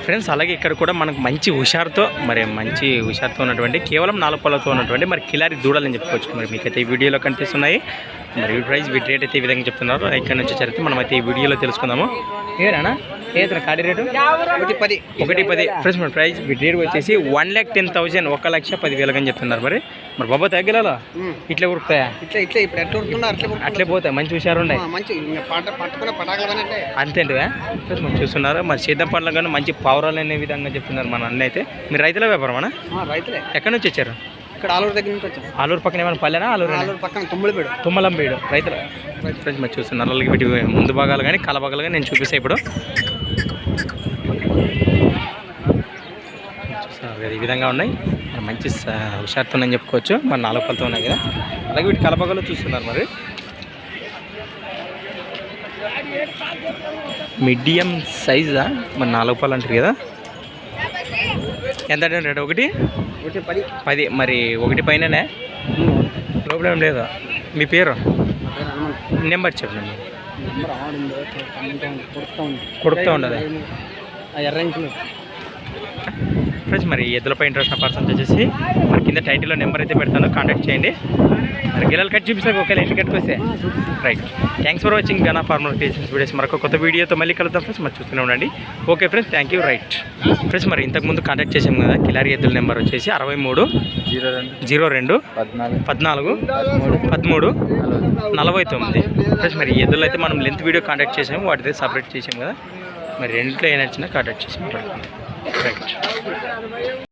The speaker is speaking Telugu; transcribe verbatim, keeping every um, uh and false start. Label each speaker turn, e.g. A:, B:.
A: ఫ్రెండ్స్ అలాగే ఇక్కడ కూడా మనకు మంచి హుషారుతో మరి మంచి హుషారుతో ఉన్నటువంటి కేవలం నాలుగు పళ్ళతో ఉన్నటువంటి మరి కిలారి దూడలని చెప్పుకోవచ్చు. మరి మీకైతే ఈ వీడియోలో కనిపిస్తున్నాయి. మరి ఈ ప్రైస్ వీటి రేట్ అయితే ఈ విధంగా చెప్తున్నారు. ఇక్కడ నుంచి చరిత్ర మనమైతే ఈ వీడియోలో తెలుసుకుందాము. ఏనా ఏదైనా కాడి రేటు ఒకటి పది ఒకటి పది ఫ్రెండ్స్ మన ప్రైస్ వీటి రేట్ వచ్చేసి వన్ ల్యాక్ టెన్ థౌసండ్ ఒక లక్ష పదివేలు అని చెప్తున్నారు. మరి మరి బాబా తగ్గలా ఇట్లా ఉరుకుతాయా? ఇట్లా ఇట్లా ఇప్పుడు ఎట్లా ఉరుకుతున్నారు అట్లే అట్లే పోతాయి. మంచి హుషారు ఉన్నాయి. మంచి అంతేంటివా ఫ్రెండ్స్ మనం చూస్తున్నారు. మరి సీతం పండ్ల కానీ మంచి పవరాలు అనే విధంగా చెప్తున్నారు మన అన్న అయితే. మీరు రైతుల వ్యాపారం అన్న? రైతులే. ఎక్కడి నుంచి వచ్చారు? ఇక్కడ ఆలూరు దగ్గర నుంచి వచ్చారు. ఆలూరు పక్కన ఏమైనా పల్లెనా? ఆలూరు ఆలూరు పక్కన తుమ్మలపేడు తుమ్మలంపేడు రైతుల ఫ్రెండ్స్ మరి చూస్తున్నారు. అలాగే వీటి ముందు భాగాలు కానీ కల భాగాలు కానీ నేను చూపిస్తాను ఇప్పుడు. చూస్తున్నారు ఈ విధంగా ఉన్నాయి. మంచి హుషారుతో అని చెప్పుకోవచ్చు. మరి నాలుగు పళ్ళతో ఉన్నాయి కదా. అలాగే వీటి కలపగలు చూస్తున్నారు. మరి మీడియం సైజా మరి నాలుగు పళ్ళు అంటారు కదా. ఎంత రేటు? ఒకటి ఒకటి పది పది మరి ఒకటి పైననే ప్రాబ్లం లేదా? మీ పేరు నెంబర్ చెప్పండి. కొడుకుతూ ఉండదు ఫ్రెండ్స్. మరి ఎద్దులపై ఇంట్రెస్ట్ ఉన్న పర్సన్స్ వచ్చేసి మరి కింద టైటిల్లో నెంబర్ అయితే పెడతాను, కాంటాక్ట్ చేయండి. మరి గిల్లలు కట్ చూపిస్తాను ఒకవేళ ఇంటికి కట్టుకొస్తే. Right, thanks for watching Gana farmer creations videos. మరొక కొత్త వీడియోతో మళ్ళీ కలుద్దాం ఫ్రెండ్స్. మరి చూస్తూనే ఉండండి. Okay friends, thank you. Right friends, మరి ఇంతకుముందు కాంటాక్ట్ చేసాం కదా. కిలారి ఎద్దుల నెంబర్ వచ్చేసి అరవై మూడు జీరో రెండు జీరో రెండు పద్నాలుగు పదమూడు నలభై తొమ్మిది ఫ్రెండ్స్. మరి ఎద్దులు అయితే మనం లెంత్ వీడియో కాంటాక్ట్ చేసాము, వాటితో సపరేట్ చేసాం కదా. మరి రెండింటిలో ఏ నచ్చినా కాంటాక్ట్ చేసి మాట్లాడుకుందాం. రైట్.